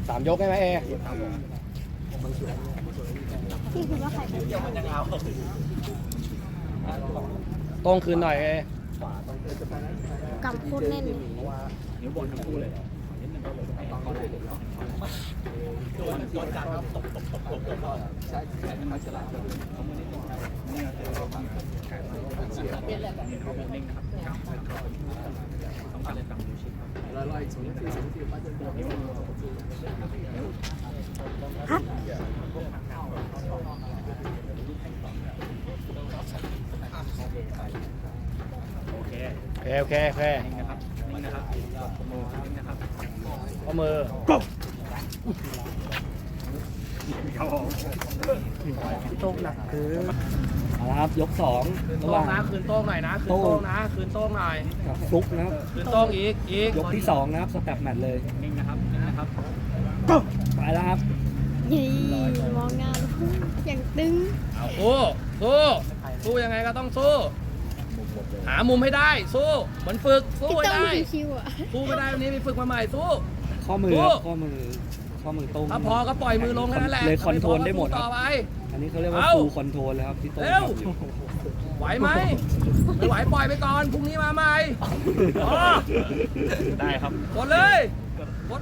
3 ยกใช่ไหมเอพี่คิดว่าใครเป็นตรงคืนหน่อยเอกำโคตรแน่นเลยนิ้วบนทั้งคู่เลยโดนจับครับตกใช่แขนมันฉลาดนิ่งนะครับต้องการเล่นตามนิ้วชี้ฮัทโอเคโอเคนิ่งนะครับนิ่งนะครับมือนิ่งนะครับข้อมือโต๊ะหนักคือเอาละครับยก2ระหว่างคืนโต้งหน่อยนะคืนโต้งนะคืนโต้งหน่อยกับฟลุกนะครับคืนโต้งอีกยกที่2นะครับสแตปแมตช์เลยนิ่งนะครับนิ่งนะครับไปแล้วครับยี่มองงานอย่างตึงเอาสู้ยังไงก็ต้องสู้ หามุมให้ได้สู้เหมือนฝึกสู้พี่ให้ต้องได้มีคิวอ่ะสู้ไม่ได้วันนี้ไปฝึกมาใหม่สู้ข้อมือครับข้อมือตรงถ้าพอก็ปล่อยมือลงแค่นั้นแหละเลยคอนโทรลได้หมดคต่รัอบ ไปอันนี้เขาเรียกว่าเอ้าฟูลคอนโทรลเลยครับที่โต้งเร็วทำอยู่ไหวไหมไม่ไหวปล่อยไปก่อนพรุ่งนี้มาใหม่อ๋อได้ครับกดเลยโอ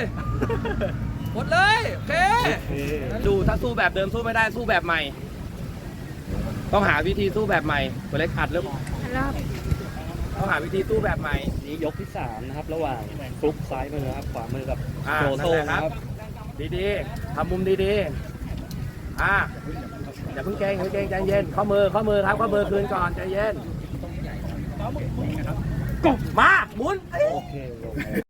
เคดูถ้าสู้แบบเดิมสู้ไม่ได้สู้แบบใหม่ ต้องหาวิธีสู้แบบใหม่ตัวเล็กอัดหรือแล้วต้องหาวิธีสู้แบบใหม่นี่ยกที่3นะครับระหว่างฟลุกซ้ายมือครับขวามือกับอ่าโจนั่โต้นแหละนะครับดีๆทำมุมดีๆอย่าเพิ่งเกรงใจเย็นข้อมือครับข้อมือคืนก่อนใจเย็นมาหมุนโอเค